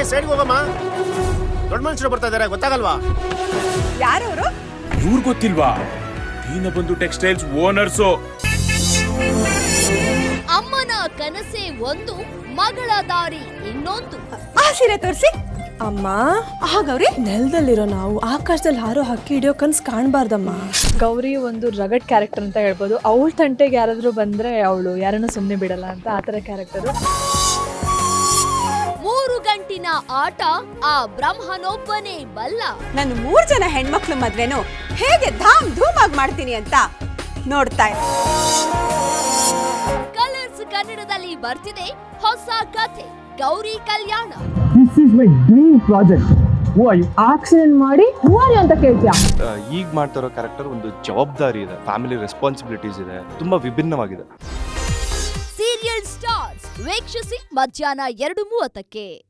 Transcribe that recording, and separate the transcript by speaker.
Speaker 1: ಸೈಡ್ಗೆ ಹೋಗಮ್ಮ. ದೊಡ್ಡ ಮನುಷ್ಯರು ಬರ್ತಾ ಇದಾರೆ, ಗೊತ್ತಾಗಲ್ವಾ?
Speaker 2: ಯಾರವರು?
Speaker 3: ಇವ್ರು ಗೊತ್ತಿಲ್ವಾ? Deenabandhu textiles owners.
Speaker 4: ಅಮ್ಮನ ಕನಸೆ ಒಂದು, ಮಗಳ ದಾರಿ ಇನ್ನೊಂದು.
Speaker 2: ಆ ಸೀರೆ ತೋರಿಸಿ. ಅಮ್ಮ, ಗೌರಿ,
Speaker 5: ನೆಲದಲ್ಲಿರೋ ನಾವು ಆಕಾಶದಲ್ಲಿ ಹಾರೋ ಹಕ್ಕಿ ಹಿಡಿಯೋ ಕನ್ಸ್ ಕಾಣಬಾರ್ದಮ್ಮ.
Speaker 6: ಗೌರಿ ಒಂದು ರಗಡ್ ಕ್ಯಾರೆಕ್ಟರ್ ಅಂತ ಹೇಳ್ಬೋದು. ಅವಳ ತಂಟೆಗೆ ಯಾರಾದ್ರೂ ಬಂದ್ರೆ ಅವಳು ಯಾರನ್ನೂ ಸುಮ್ಮನೆ ಬಿಡಲ್ಲ ಅಂತ ಆ ಥರ ಕ್ಯಾರೆಕ್ಟರ್.
Speaker 4: 3 ಗಂಟಿನ ಆಟ ಆ ಬ್ರಹ್ಮನೊಬ್ಬನೇ ಬಲ್ಲ.
Speaker 2: ನಾನು 3 ಜನ ಹೆಣ್ಮಕ್ಳು ಮದ್ವೆನು ಹೇಗೆ ಧಾಮ್ ಧೂಮ್ ಆಗಿ ಮಾಡ್ತೀನಿ ಅಂತ ನೋಡ್ತಾ ಇರು.
Speaker 4: ಕಲರ್ಸ್ ಕನ್ನಡದಲ್ಲಿ ಬರ್ತಿದೆ ಹೊಸ ಕಥೆ, Gowri Kalyana.
Speaker 7: This is my dream project. Who are you?
Speaker 6: Accident ಮಾಡಿ ಹೂ ಆರ್ ಯು ಅಂತ ಕೇಳ್ತೀಯಾ?
Speaker 8: ಈಗ ಮಾಡ್ತಿರೋ ಕ್ಯಾರೆಕ್ಟರ್ ಒಂದು ಜವಾಬ್ದಾರಿ ಇದೆ, ಫ್ಯಾಮಿಲಿ ರೆಸ್ಪಾನ್ಸಿಬಿಲಿಟೀಸ್ ಇದೆ, ತುಂಬಾ ವಿಭಿನ್ನವಾಗಿದೆ.
Speaker 4: ಸೀರಿಯಲ್ ಸ್ಟಾರ್ಸ್ ವೀಕ್ಷಿಸಿ ಮಧ್ಯಾಹ್ನ 2:30ಕ್ಕೆ.